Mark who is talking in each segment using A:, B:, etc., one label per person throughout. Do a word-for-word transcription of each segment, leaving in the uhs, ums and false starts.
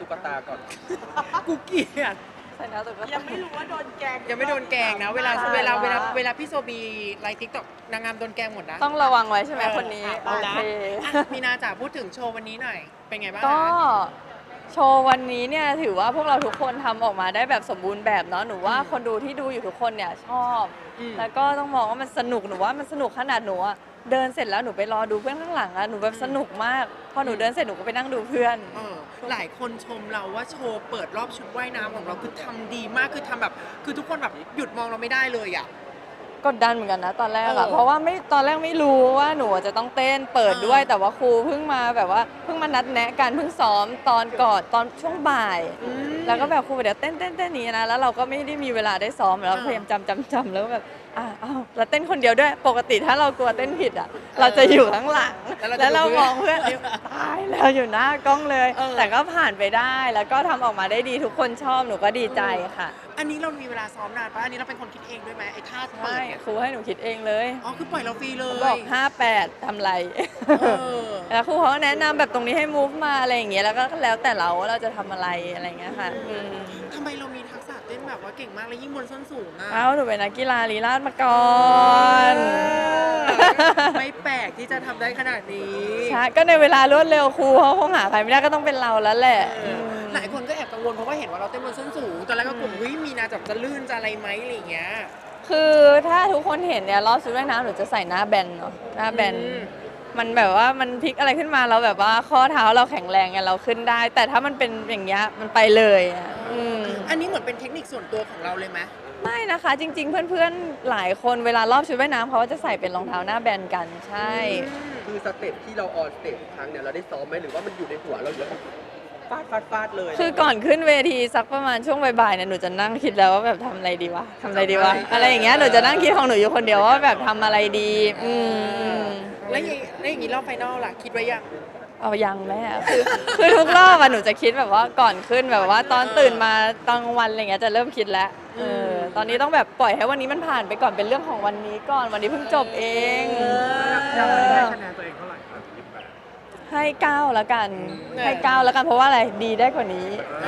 A: ตุ๊กตาก่อน
B: กูเกลียด
C: ใส่หน้าตุ๊กตา
D: ยังไม่รู้ว่าโดนแกล้ง
B: ยังไม่โดนแกล้งนะเวลา
C: ใช่
B: เวลาเวลา
C: ว่า
B: เวลาพี่โซบีไลฟ์ทิกตอกนางงามโดนแกล้งหมดนะ
C: ต้องระวังไว้ใช่ไหม
B: เออ
C: คนนี้
B: เอา
C: โอ
B: นะ
C: เค
B: อ่ะมีนาจ๋าพูดถึงโชว์วันนี้หน่อย เป็นไงบ้าง
C: ก็
B: คะ
C: โชว์วันนี้เนี่ยถือว่าพวกเราทุกคนทำออกมาได้แบบสมบูรณ์แบบเนาะหนูว่าคนดูที่ดูอยู่ทุกคนเนี่ยชอบ
B: อืม
C: แล้วก็ต้องมองว่ามันสนุกหนูว่ามันสนุกขนาดหนูอะเดินเสร็จแล้วหนูไปรอดูเพื่อนข้างหลังอะหนูแบบสนุกมากพอหนูเดินเสร็จหนูก็ไปนั่งดูเพื่อน
B: เออหลายคนชมเราว่าโชว์เปิดรอบชุดว่ายน้ำของเราคือทำดีมากคือทำแบบ คือทุกคนแบบหยุดมองเราไม่ได้เลยอ่ะ
C: กดดันเหมือนกันนะตอนแรก
B: เอ
C: อะ
B: อ
C: เพราะว่าไม่ตอนแรกไม่รู้ว่าหนูจะต้องเต้นเปิด
B: เออ
C: ด้วย แต่ว่าครูเพิ่งมาแบบว่าเพิ่งมานัดแนะกันเพิ่งซ้อมตอนก่อนตอนช่วงบ่าย
B: อืม
C: แล้วก็แบบครูบอกเดี๋ยวเต้นเต้นเต้นนี้นะแล้วเราก็ไม่ได้มีเวลาได้ซ้อมแล้ว
B: เออ
C: พยายามจำจำจำแล้วก็แบบอ่ะอ้าวเราเต้นคนเดียวด้วยปกติถ้าเรากลัวเต้นผิดอ่ะเราจะอยู่ข้างหลัง
B: แล้วเราจะ
C: แล้วเรา
B: ดู
C: มองเพื่อนเอ้ยตายแล้วอยู่หน้ากล้องเลย
B: เออ
C: แต่ก็ผ่านไปได้แล้วก็ทำออกมาได้ดีทุกคนชอบหนูก็ดีใจค่ะ
B: อันนี้เรามีเวลาซ้อมนานปะอันนี้เราเป็นคนคิดเองด้วยไหมไอ้ท่าเปิ
C: ใช่
B: ดเนี่ย
C: ครูให้หนูคิดเองเลย
B: อ๋อคือปล่อยเราฟรีเลย
C: บอกห้าแปดทำไร
B: เออ
C: แล้วครูเขาก็แนะนำแบบตรงนี้ให้ move มาอะไรอย่างเงี้ยแล้วก็แล้วแต่เราว่าเราจะทำอะไรอะไรอย่างเงี้ยค่ะอืม
B: ทำไมเรามีทักษะเต้นแบบว่าเก่งมากเลยยิ่งบนส้นสูงอ่ะ
C: เอ้าหนูเป็นนักกีฬาลีลาศมาก่อน
B: เออไม่แปลกที่จะทำได้ขนาดนี้
C: ใช่ก็ในเวลารวดเร็วครูเขาคงหาใครไม่ได้ก็ต้องเป็นเราแล้วแหละ
B: เออหลายคนก็แอบกังวลเพราะว่าเห็นว่าเราเต้นบนส้นสูงตอนแรกก็กลัววิมีนาจะจะลื่นจะอะไรไหมอะไรอย่างเงี้ย
C: คือถ้าทุกคนเห็นเนี่ยรอบชุดว่ายน้ำหนูจะใส่หน้าแบนเนาะหน้าแบน
B: อืม
C: มันแบบว่ามันพลิกอะไรขึ้นมาเราแบบว่าข้อเท้าเราแข็งแรงไงเราขึ้นได้ แต่ถ้ามันเป็นอย่างเงี้ยมันไปเลยอะอืม
B: อันนี้เหมือนเป็นเทคนิคส่วนตัวของเราเลยไหม
C: ไม่นะคะ จริง ๆ เพื่อนๆหลายคนเวลารอบชุดว่ายน้ำเขาก็จะใส่เป็นรองเท้าหน้าแบนกันใช่
A: คือสเต็ปที่เราออนสเต็ปทุกครั้งเนี่ยเราได้ซ้อมไหมหรือว่ามันอยู่ในหัวเราอยู่แล้วฟาดฟาดฟาดเลย
C: คือก่อนขึ้นเวทีสักประมาณช่วงบ่ายๆเนี่ยหนูจะนั่งคิดแล้วว่าแบบทำอะไรดีวะทำอะไรดีวะอะไรอย่างเงี้ยหนูจะนั่งคิดของหนูอยู่คนเดียวว่าแบบทำอะไรดีอืมอืม
B: แล้วอย่างแล้วอย่างนี้รอบไฟนอลล่ะคิดไว้ยัง
C: เอายังแม่คือคือทุกรอบอะหนูจะคิดแบบว่าก่อนขึ้นแบบว่าตอนตื่นมาตอนกลางวันอะไรเงี้ยจะเริ่มคิดแล้วเออตอนนี้ต้องแบบปล่อยให้วันนี้มันผ่านไปก่อนเป็นเรื่องของวันนี้ก่อนวันนี้เพิ่งจบเอง
E: ยังไม่ได้คะแนนตัวเองเท่าไหร่ครับยี่สิบแปด
C: ให้เก้าแล้วกันให้เก้าแล้วกันเพราะว่าอะไรดีได้กว่านี้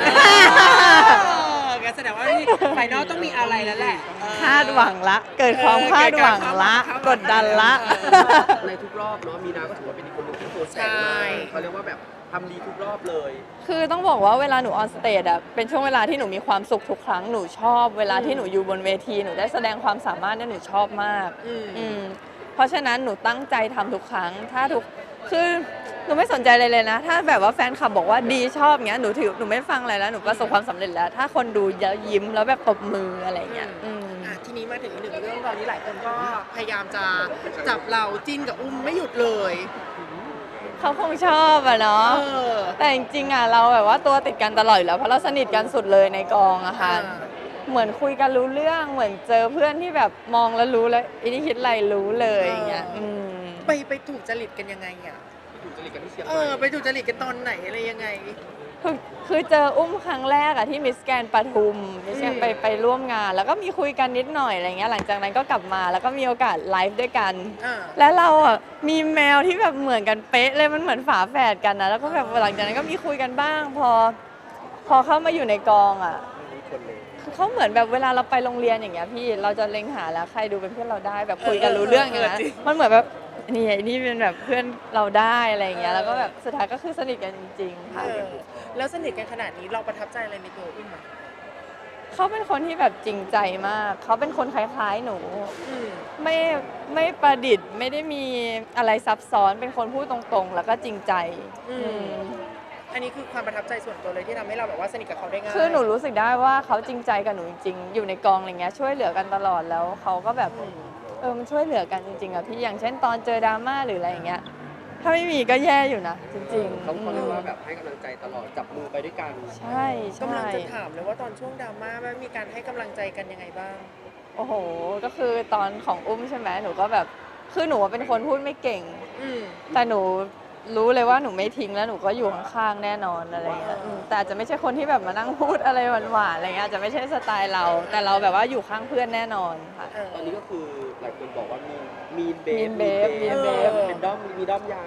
B: งั้นแสดงว่าไฟนอลต้องมีอะไรแล้วแหละ
C: คาดหวังละ เกิดความคาดหวังละ กดดันละ
A: ในทุกรอบเนาะมีนาก็ถือว่าเป็นอีกคนหนึงที่โพสต์แต่ง
B: ใช่
A: มากเขาเรียกว่าแบบทำดีทุกรอบเลย
C: คือต้องบอกว่าเวลาหนูออนสเตจอะเป็นช่วงเวลาที่หนูมีความสุขทุกครั้งหนูชอบ เวลาที่หนูอยู่บนเวทีหนูได้แสดงความสามารถเนี่ยหนูชอบมาก
B: อืม
C: อืมเพราะฉะนั้นหนูตั้งใจทำทุกครั้ง ถ้าทุกคือหนูไม่สนใจเลยเลยนะ ถ้าแบบว่าแฟนคลับบอกว่าดีชอบเงี้ยหนูถือหนูไม่ฟังอะไรแล้วหนูประสบความสำเร็จแล้ว ถ้าคนดูเยอะยิ้มแล้วแบบตบมืออะไรเงี้ยอืม
B: อ่ะทีนี้มาถึงอีกหนึ่งเรื่องตอนนี้หลายคนก็พยายามจะจับเราจิ้นกับอุ้มไม่หยุดเลย
C: เขาคงชอบอะเนาะ
B: เออ
C: แต่จริงๆอะเราแบบว่าตัวติดกันตลอดอยู่แล้วเพราะเราสนิทกันสุดเลยในกองอะค่ะ
B: อ่า
C: เหมือนคุยกันรู้เรื่องเหมือนเจอเพื่อนที่แบบมองแล้วรู้แล้วอันนี้คิดอะไรรู้เลยอย่างเงี้ยอืม
B: ไปไปถูกจริตกันยังไงอ่ะ
A: ถูกจริตกันที่เชียงให
B: เอ
A: ม่
B: อไปถูกจริตกันตอนไหนอะไรยังไง
C: คือคือเจออุ้มครั้งแรกอะที่มิสแกรนด์ปทุมมิสแกรน
B: อืม
C: ไปไปร่วมงาน แล้วก็มีคุยกันนิดหน่อยอะไรเงี้ยหลังจากนั้นก็กลับมาแล้วก็มีโอกาสไลฟ์ด้วยกัน
B: อ่า
C: แล้วเราอ่ะมีแมวที่แบบเหมือนกันเป๊ะเลยมันเหมือนฝาแฝดกันนะแล้วก็แบบหลังจากนั้นก็มีคุยกันบ้าง พอ พอเข้ามาอยู่ในกองอ่ะ
A: มีคนเลย
C: คือเขาเหมือนแบบเวลาเราไปโรงเรียนอย่างเงี้ยพี่เราจะเล็งหาแล้วใครดูเป็นเพื่อนเราได้แบบคุยกันรู้เรื่องอย่างเงี้ยมันเหมือนแบบนี่ไอ้นี่เป็นแบบเพื่อนเราได้อะไรอย่างเงี้ยแล้วก็แบบสุดท้ายก็คือสนิทกันจริงๆค่ะ
B: เออแล้วสนิทกันขนาดนี้เราประทับใจอะไรในตัวอุ้มอ่ะ
C: เขาเป็นคนที่แบบจริงใจมาก เขาเป็นคนคล้ายๆหนู
B: อืม
C: ไม่ไม่ประดิษฐ์ไม่ได้มีอะไรซับซ้อนเป็นคนพูดตรงๆ แล้วก็จริงใจ
B: อืม
C: อืม
B: อันนี้คือความประทับใจส่วนตัวเลยที่ทำให้เราแบบว่าสนิทกับเขาได้ง่าย
C: คือหนูรู้สึกได้ว่าเขาจริงใจกับหนูจริงๆ อยู่ในกองอะไรเงี้ยช่วยเหลือกันตลอดแล้วเขาก็แบบเออมันช่วยเหลือกันจริงๆอะพี่อย่างเช่นตอนเจอดราม่าหรืออะไรอย่างเงี้ยถ้าไม่มีก็แย่อยู่นะจริงๆ
A: เขาเขาเรียกว่าแบบให้กำลังใจตลอดจับมือไปด้วยกัน
C: ใช่
B: กำลั
C: ใช่
B: งจะถามเลยว่าตอนช่วงดราม่ามันมีการให้กำลังใจกันยังไงบ้าง
C: โอ้โห ก็คือตอนของอุ้มใช่ไหมหนูก็แบบคือหนูเป็นคนพูดไม่เก่ง
B: อืม
C: แต่หนูรู้เลยว่าหนูไม่ทิ้งแล้วหนูก็อยู่ข้างๆแน่นอนอะไรเงี้ยอืมแต่อาจจะไม่ใช่คนที่แบบมานั่งพูดอะไรหวานๆอะไรเงี้ยอาจจะไม่ใช่สไตล์เรา แต่เราแบบว่าอยู่ข้างเพื่อนแน่นอนค่ะ
B: เออ
A: ตอนนี้ก็คือหลายคนบอกว่ามีมีนเบฟ
C: Mean Babe Mean
B: Babe
A: เป็นด้อมมีด้อมยัง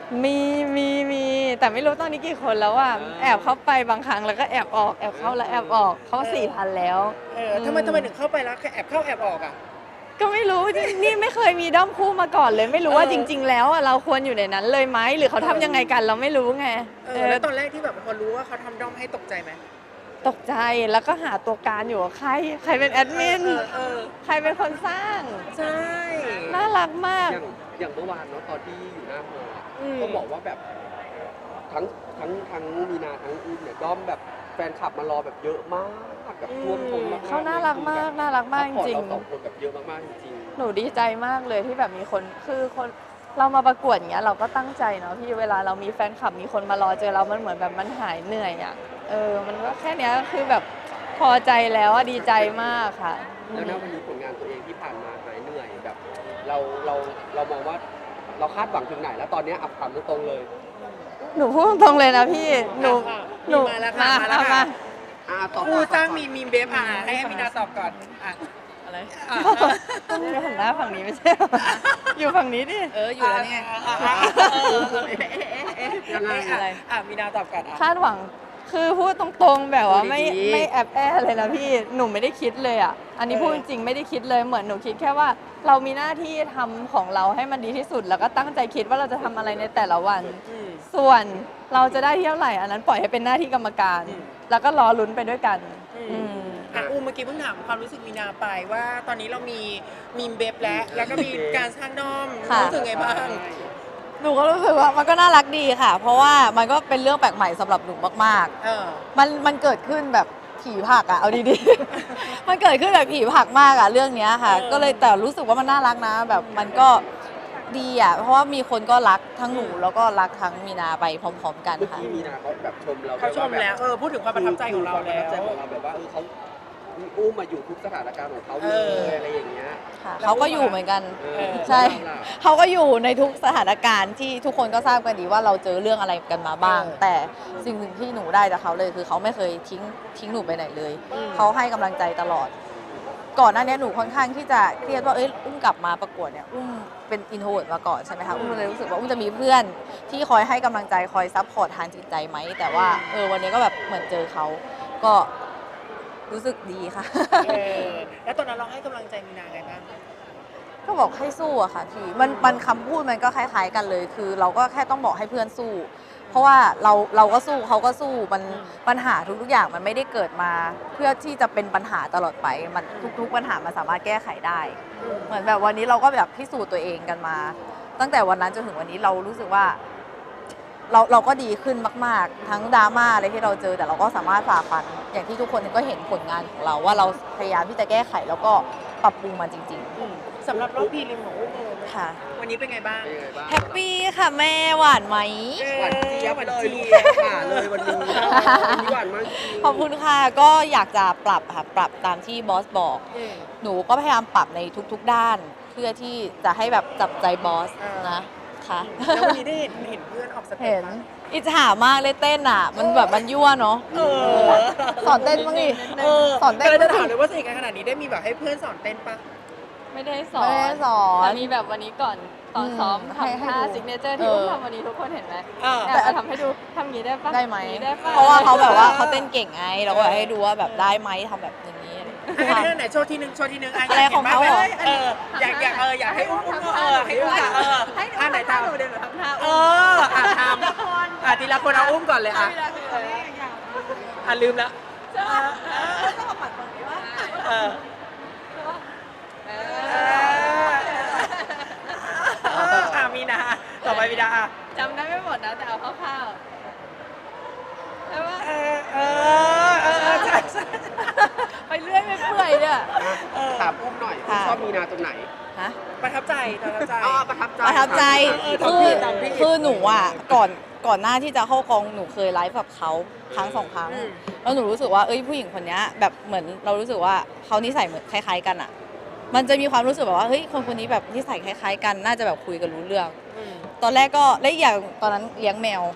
C: มีมีมีแต่ไม่รู้ตอนนี้กี่คนแล้วอ่ะแอบเข้าไปบางครั้งแล้วก็แอบออกแอบเข้าแล้วแอบออกเขาสี่พันแล้ว
B: เออทำไมทำไมถึงเข้าไปแล้วแอบเข้าแอบออกอ่ะ
C: ก็ไม่รู้นี่นี่ไม่เคยมีด้อมคู่มาก่อนเลย ไม่รู้ว่า
B: เออ
C: จริง ๆ แล้วอะเราควรอยู่ในนั้นเลยไหมหรือเขาทำยังไงกันเราไม่รู้ไง
B: เอ
C: เอ
B: อ
C: อ
B: แล้วตอนแรกที่แบบพอรู้ว่าเขาทำด้อมให้ตกใจไหม
C: ตกใจแล้วก็หาตัวการอยู่ว่าใคร ใครเป็นแอดมิน
B: เออเออ
C: ใครเป็นคนสร้าง
B: ใช่
C: น่ารักมาก
A: อย่างอย่างเมื่อวานเนาะตอนที่อยู่หน้าโมอะ
B: อืม
A: ก็บอกว่าแบบทั้งทั้งทั้งมีนาทั้งอุ้มเนี่ยด้อมแบบแฟนคลับมารอแบบเยอะมากแบบท่วมท้นมากๆ
C: เขาน่ารักมากน่ารักมากจริง
A: ซัพพอตเราสองคนแบบเยอะมากๆจริง
C: หนูดีใจมากเลยที่แบบมีคนคือคนเรามาประกวดอย่างเงี้ยเราก็ตั้งใจเนาะพี่เวลาเรามีแฟนคลับมีคนมารอเจอเรามันเหมือนแบบมันหายเหนื่อยอ่ะเออมันก็แค่เนี้ยก็คือแบบพอใจแล้วอะดีใจมากค่ะ
A: ๆแล้วนะวันนี้ผลงานตัวเองที่ผ่านมาหายเหนื่อยแบบ เราเราเรามองว่าเราคาดหวังถึงไหนแล้วตอนเนี้ยอับถามตรงๆเลย
C: หนูพูดตรงๆเลยนะพี่หนู
B: อ่ะ
C: หนู
B: มาแล้วค่ะมาแล้ว
C: มา
B: ค่ะ
A: อ่าต่อ
B: ผู้สร้างมีมีมเบฟอ่ะให้ให้มีนาตอบก่อนอ่ะ
C: อะไร
B: อ่ะ
C: ต้องหันหน้าฝั่งนี้ไม่ใช่เหรออยู่ฝั่งนี้ดิ
B: เอออยู่แล้วเนี่ยอ่ะอ่ะเออเออเอ๊ะเอ๊ะเอ๊ะ
A: ยังไง
B: อ่ะอ่ะมีนาตอบก่อนอ่ะ
C: คาดหวังคือพูดตรงๆแบบว่าไม่
A: พูดดีๆ
C: ไม่แอบแอบเลยนะพี่หนูไม่ได้คิดเลยอ่ะอันนี้
B: เออ
C: พูดจริงๆไม่ได้คิดเลยเหมือนหนูคิดแค่ว่าเรามีหน้าที่ทำของเราให้มันดีที่สุด แล้วก็ตั้งใจคิดว่าเราจะทำอะไรในแต่ละวัน
B: อืม
C: ส่วนเราจะได้ที่เท่าไหร่อันนั้นปล่อยให้เป็นหน้าที่กรรมการ
B: อืม
C: แล้วก็รอลุ้นไปด้วยกัน
B: อืม
C: อืม
B: อ่ะอูเมื่อกี้เพิ่งถามความรู้สึกมีนาไปว่าตอนนี้เรามีมีมเบฟแล้วแล้วก็มีการสร้างด้อม
D: ค่ะ
B: รู้สึกไงบ้าง
D: หนูก็รู้สึกว่ามันก็น่ารักดีค่ะ เพราะว่ามันก็เป็นเรื่องแปลกใหม่สำหรับหนูมาก
B: เออ
D: ๆ มันมันเกิดขึ้นแบบผีผักอะเอาดีๆ มันเกิดขึ้นแบบผีผักมากอะเรื่องเนี้ยค่ะ
B: เออ
D: ก็เลยแต่รู้สึกว่ามันน่ารักนะ แบบมันก็ดีอะเพราะว่ามีคนก็รักทั้งหนูแล้วก็รักทั้งมีนาไปพร้อม ๆ กัน
A: เมื่อ
D: ค่ะ
A: กี้มีนาเขาแบบชมเรา
B: เขาชมแล้วเออพูดถึงความประทับใจของเรา
A: ควมป
B: แล้
A: ระทับใจ
B: ว
A: ของเราแบบว่าเออเขาอุ้มมาอยู่ทุกสถานการณ์ของเขาเล
B: เออ
A: ยอะไรอย่างเงี้ย
D: ค่ะเขาก็อยู่เหมือนกัน
A: เออ
D: ใช่
A: เราล่ะ
D: เขาก็อยู่ในทุกสถานการณ์ที่ทุกคนก็ทราบกันดีว่าเราเจอเรื่องอะไรกันมาบ้าง
B: เออ
D: แต่สิ่งหนึ่งที่หนูได้จากเขาเลยคือเขาไม่เคยทิ้งทิ้งหนูไปไหนเลย
B: อืม
D: เขาให้กำลังใจตลอด ก่อนหน้านี้หนูค่อนข้างที่จะเครียดว่าเอ้ยอุ้มกลับมาประกวดเนี่ยอุ้มเป็นอินโทรเวิร์ดมาก่อนใช่ไหมคะอุ้มเลยรู้สึกว่าอุ้มจะมีเพื่อนที่คอยให้กำลังใจคอยซัพพอร์ตทางจิตใจไหมแต่ว่าเออวันนี้ก็แบบเหมือนเจอเขาก็รู้สึกดีค่ะ
B: เออแล้วตอนนั้นเราให้กำลังใจมีนาไงบ้าง
D: ก็บอกให้สู้อะค่ะพี่มันมันคำพูดมันก็คล้าย ๆ กันเลย คือเราก็แค่ต้องบอกให้เพื่อนสู้ เพราะว่าเราเราก็สู้เขาก็สู้มัน
B: อืม
D: ปัญหาทุกๆอย่างมันไม่ได้เกิดมา เพื่อที่จะเป็นปัญหาตลอดไปมันทุก ๆ ปัญหามันสามารถแก้ไขได้ เหมือนแบบวันนี้เราก็แบบพิสูจน์ตัวเองกันมา ตั้งแต่วันนั้นจนถึงวันนี้เรารู้สึกว่า เราเราก็ดีขึ้นมาก ๆ ทั้งดราม่าอะไรที่เราเจอแต่เราก็สามารถฝ่าฟัน อย่างที่ทุกคนก็เห็นผลงานของเราว่าเราพยายามที่จะแก้ไขแล้วก็ปรับปรุงมันจริง
B: อืมสำหรับรอบพรีลิมของอุ้มเออ
D: ๆ ค่ะ
B: วันนี้เป็นไงบ้าง
A: เป็นยังไงบ้าง
D: แฮปปี้ค่ะแม่หวานไหม
A: หวานเจี๊ยบ
B: หวาน
A: เลย
B: เจี๊
A: ลู
B: ย
A: ก
B: บ
A: ขาเลยวันนี้วันนี้หวานมากจริง
D: ขอบคุณค่ะ ก็อยากจะปรับค่ะ ปรับตามที่บอสบอก
B: อืม
D: หนูก็พยายามปรับในทุกๆด้าน เพื่อที่จะให้แบบจับใจบอส
B: อ่าน
D: นะค่ะ
B: แล้ววันนี้ได้เห็นเห็นเพื่อนออกสเต็ป
D: เห็น
B: ปะ
D: อิจฉามากเลยเต้นอ่ะ มันแบบมันยั่วเนาะ
B: เออ
D: สอนเต้นบ้างดิ
B: เออ
D: สอนเต้น
B: ก็เลยจะ
D: บ้าง
B: ถาม
D: ดิ
B: เลยว่าสนิทกันขนาดนี้ได้มีแบบให้เพื่อนสอนเต้นปะ
C: ไม่ได้สอน
D: ไม่ได้สอน
C: แต่มีแบบวันนี้ก่อนตอนซ้อม
D: อืมให้
C: ทำ
D: ให้
C: ท่า
D: ดู
C: ซิกเนเจอร์ที่
D: เออ
C: อุ้มทำวันนี้ทุกคนเห็นไหม
B: เออ
C: แอบเอาทำให้ดูทำอย่างนี้ได้ปะ
D: ได้ไหม
C: อย่างนี้ได้ปะ
D: เพราะว่าเขาแบบว่าเขาเต้นเก่งไง เราก็ให้ดูว่าแบบได้ไหมทำแบบอย่างนี้อะไรอย่าง
B: อัน
D: เงี้ย
B: นี้ไหนโชว์ทีหนึ่งโชว์ทีหนึ่ง
D: อะไรของเขาเหรอ
B: เอออยากอยากเอออยากให้อุ้มอุ้มเออให้อุ้มอะเออ
C: ให้
B: อันไหน
C: ท่า
B: ทำ
C: หนูเดี๋ยวหนูทำท่า
B: เอออ่ะทำอ่ะทีละคนเอาอุ้มก่อนเลยอ่ะอ่ะลืมแล้วเออเออเอออ่ะมีนาต่อไปมีนาอ่ะ
C: จำได้ไม่หมดนะแต่เอาคร่าวๆใช่ปะ
B: เออเออเออเออใช่ใช่
D: ไปเรื่อยไปเปื่อยเนี่ย
B: เออ
A: ถามอุ้มหน่อยอุ้ม
D: ค่ะ
A: ชอบมีนาตรงไหน
D: ฮะ
B: ประทับใจประทับใจ
A: อ๋อประทับใจ
D: ประทับใจ
B: เออ
D: คือ
B: ตามพี่
D: คือหนูอ่ะก่อนก่อนหน้าที่จะเข้ากองหนูเคยไลฟ์กับเขาครั้งสองครั้ง
B: อืม
D: แล้วหนูรู้สึกว่าเอ้ยผู้หญิงคนเนี้ยแบบเหมือนเรารู้สึกว่าเขานิสัยเหมือนคล้ายๆกันอ่ะ มันจะมีความรู้สึกแบบว่าเฮ้ยคนคนนี้แบบนิสัยคล้ายๆกันน่าจะแบบคุยกันรู้เรื่อง
B: อืม
D: ตอนแรกก็และอีกอย่างตอนนั้นเลี้ยงแมว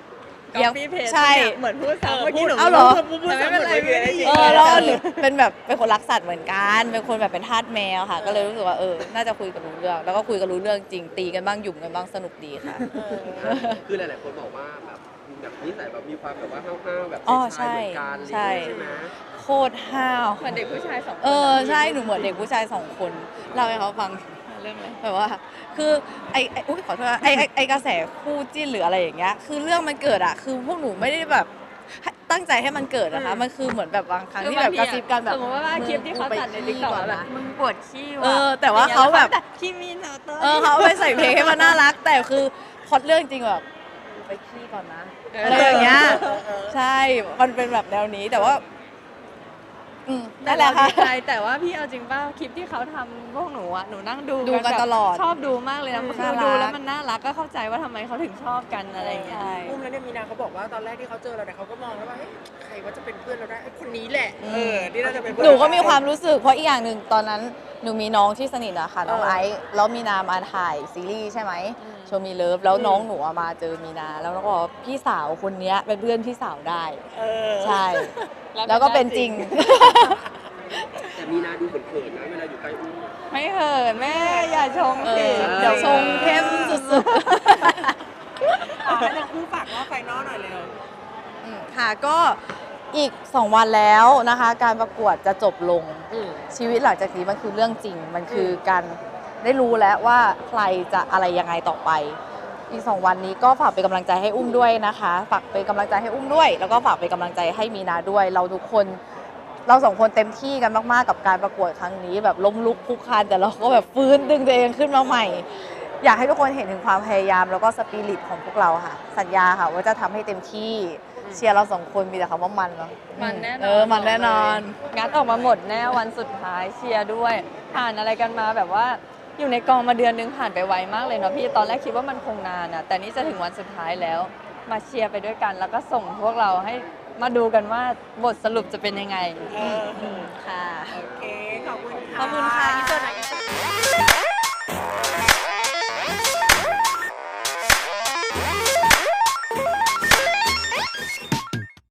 C: ก๊อปปี้เพจ
D: ใช่
C: เหมือนพูดซ้ำเมื่อกี้หนู
D: เอาเหรอ
C: พูดพูดซ้ำไม่เป็นไรไม่ได้ยิน
D: เออแล้วหนูเป็นแบบเป็นคนรักสัตว์เหมือนกัน เป็นคนแบบเป็นทาสแมวค่ะ ก็เลยรู้สึกว่าเออ น่าจะคุยกันรู้เรื่อง แล้วก็คุยกันรู้เรื่องจริง ตีกันบ้างหยุ่มกันบ้างสนุกดีค่ะ
A: คือหลายๆคนบอกว่าแบบแบบนิสัยแบบมีความแบบว่าห้าวๆแบบ
D: อ๋อ
A: ชาย
D: ใช่
A: ๆเหมือนกัน
D: ใช่
A: ใช่ไหม
D: โคตรห้าว
C: เหมือนเด็กผู้ชายสองคน
D: เออใช่ หนูเหมือนเด็กผู้ชายสองคนเล่าให้เขาฟัง
C: เรื่องอะไร
D: แบบว่า คือไอไออุ้ยขอโทษนะไอไอ้ไอกระแสคู่จิ้นหรืออะไรอย่างเงี้ย คือเรื่องมันเกิดอะคือพวกหนูไม่ได้แบบตั้งใจให้มันเกิดนะคะ มันคือเหมือนแบบบางครั้งที่แบบกระซิบกันแบบ
C: สมมติว่าคลิปที่เขาตัดในติ๊กต็อกแบบมึงปวดขี้ว่ะ
D: เออ แต่ว่าเขาแบบ
C: ขี้มีเนอเตอร์
D: เออเขาเอาไปใส่เพลงให้มันน่ารัก แต่คือพล็อตเรื่องจริงแบบไปขี้ก่อนนะอะไรอย่างเงี้ยใช่ มันเป็นแบบแนวนี้แต่ว่า อืม
C: แต่
D: นั่นแห
C: เรา
D: ละค่ะ
C: ดีใจแต่ว่าพี่เอาจริงป่ะคลิปที่เขาทำพวกหนูอะหนูนั่งดู
D: ดูกัน
C: แบบ
D: ตลอด
C: ชอบดูมากเลยนะ
D: อืม
C: คือ
D: น่ารัก
C: ดูแล้วมันน่ารักก็เข้าใจว่าทำไมเขาถึงชอบกันอะไรอย่างเงี้ย
D: ใช่
B: อุ้มแล้วเนี่ยมีนาเขาบอกว่าตอนแรกที่เขาเจอเราเนี่ยเขาก็มองแล้วว่าเฮ้ยใครว่าจะเป็นเพื่อนเราได้ไอ้คนนี้แหละเออที่น่าจะเป็นเพื่อ
D: หนูก็มีความรู้สึกเพราะอีกอย่างหนึ่งตอนนั้นหนูมีน้องที่สนิทอะค่ะน้อง
B: เออ
D: ไอซ์แล้วมีนามาถ่ายซีรีส์ใช่ไหมโชว์มีเลิฟแล้วน้องหนูอะมาเจอมีนา แล้วก็บอกว่าพี่สาวคนเนี้ยเป็นเพื่อนพี่สาวได้
B: เออ
D: ใช่ แล้วก็เป็นจริง
A: แต่มีนาดูเขินๆนะเวลาอยู่ใกล้อุ้ม
C: ไม่เหินแม่อย่าชง
D: เอ
C: สิ
D: อเดี๋ยวชงเข้มสุด
B: อ่ะให้ทั้งคู่ฝากว่าไฟนอลหน่อยเร็ว
D: ๆอืมค่ะก็อีกสองวันแล้วนะคะ การประกวดจะจบลง
B: อืม
D: ชีวิตหลังจากนี้มันคือเรื่องจริง มันคือการได้รู้แล้วว่าใครจะอะไรยังไงต่อไป อีกสองวันนี้ก็ฝากเป็นกำลังใจให้อุ้มด้วยนะคะ ฝากเป็นกำลังใจให้อุ้มด้วย แล้วก็ฝากเป็นกำลังใจให้มีนาด้วย เราทุกคน เราสองคนเต็มที่กันมากๆกับการประกวดครั้งนี้ แบบล้มลุกคลุกคลานแต่เราก็แบบฟื้นดึงตัวเองขึ้นมาใหม่ อยากให้ทุกคนเห็นถึงความพยายามแล้วก็สปิริตของพวกเราค่ะ สัญญาค่ะว่าจะทำให้เต็มที่เชียร์เราสองคนมีแต่คำว่ามันเนาะ
C: มันแน่นอน
D: เออมันแน่นอน
C: งัดออกมาหมดแน่วันสุดท้ายเชียร์ด้วย ผ่านอะไรกันมาแบบว่าอยู่ในกองมาเดือนนึงผ่านไปไวมากเลยเนาะพี่ตอนแรกคิดว่ามันคงนานอะแต่นี่จะถึงวันสุดท้ายแล้ว มาเชียร์ไปด้วยกัน แล้วก็ส่งพวกเราให้มาดูกันว่าบทสรุปจะเป็นยังไง
B: เออ
D: ค่ะ
B: โอเค ขอบคุณค่ะ
D: ขอบคุณค่ะ